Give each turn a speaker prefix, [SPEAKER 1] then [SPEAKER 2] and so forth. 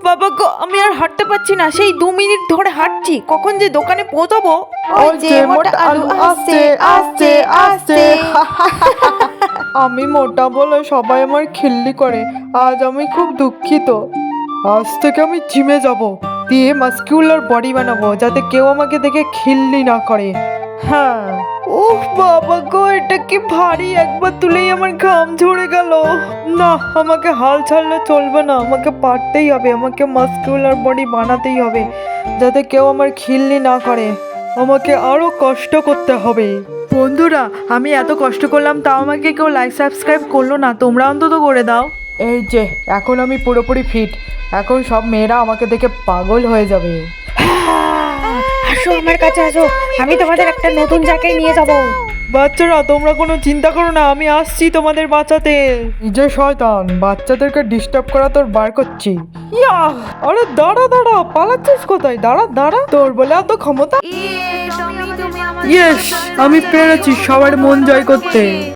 [SPEAKER 1] বাবা গো, আমি আর হাঁটতে পারছি না, সেই 2 মিনিট ধরে হাঁটছি, কখন যে দোকানে পৌঁছাবো।
[SPEAKER 2] ওই যে মোটা আলু আসছে আসছে আসছে। আমি মোটা বলে সবাই আমার খিল্লি করে, আজ আমি খুব দুঃখিত। আজ থেকে আমি জিমে যাব, দিয়ে মাস্কিউলার বডি বানাবো, যাতে কেউ আমাকে দেখে খিল্লি না করে। হ্যাঁ। উফ বাবা গো, এটা কি ভারী, একবার তুলেই আমার ঘাম ঝরে গেল। না, আমাকে হাল ছাড়লে চলবে না, আমাকে পারতেই হবে, আমাকে মাস্কিউলার বডি বানাতেই হবে, যাতে কেউ আমার খিল্লি না করে। আমাকে আরো কষ্ট করতে হবে। বন্ধুরা, আমি এত কষ্ট করলাম, তাও আমাকে কেউ লাইক সাবস্ক্রাইব করলো না, তোমরা অন্তত করে দাও। এই যে এখন আমি পুরোপুরি ফিট, এখন সব মেয়েরা আমাকে দেখে পাগল হয়ে যাবে।
[SPEAKER 1] আসো আমার কাছে আসো, আমি তোমাদের একটা নতুন জায়গায় নিয়ে যাব।
[SPEAKER 2] বাচ্চারা, তোমরা কোনো চিন্তা করো না, আমি আসছি তোমাদের বাঁচাতে। যে শয়তান, বাচ্চাদেরকে ডিস্টার্ব করা তোর বার করছি। ইয়া! আরে দাঁড়া দাঁড়া, পালাচ্ছিস কোথায়? দাঁড়া দাঁড়া, তোর বলে এত ক্ষমতা? ইয়েস, আমি পেরেছি সবার মন জয় করতে।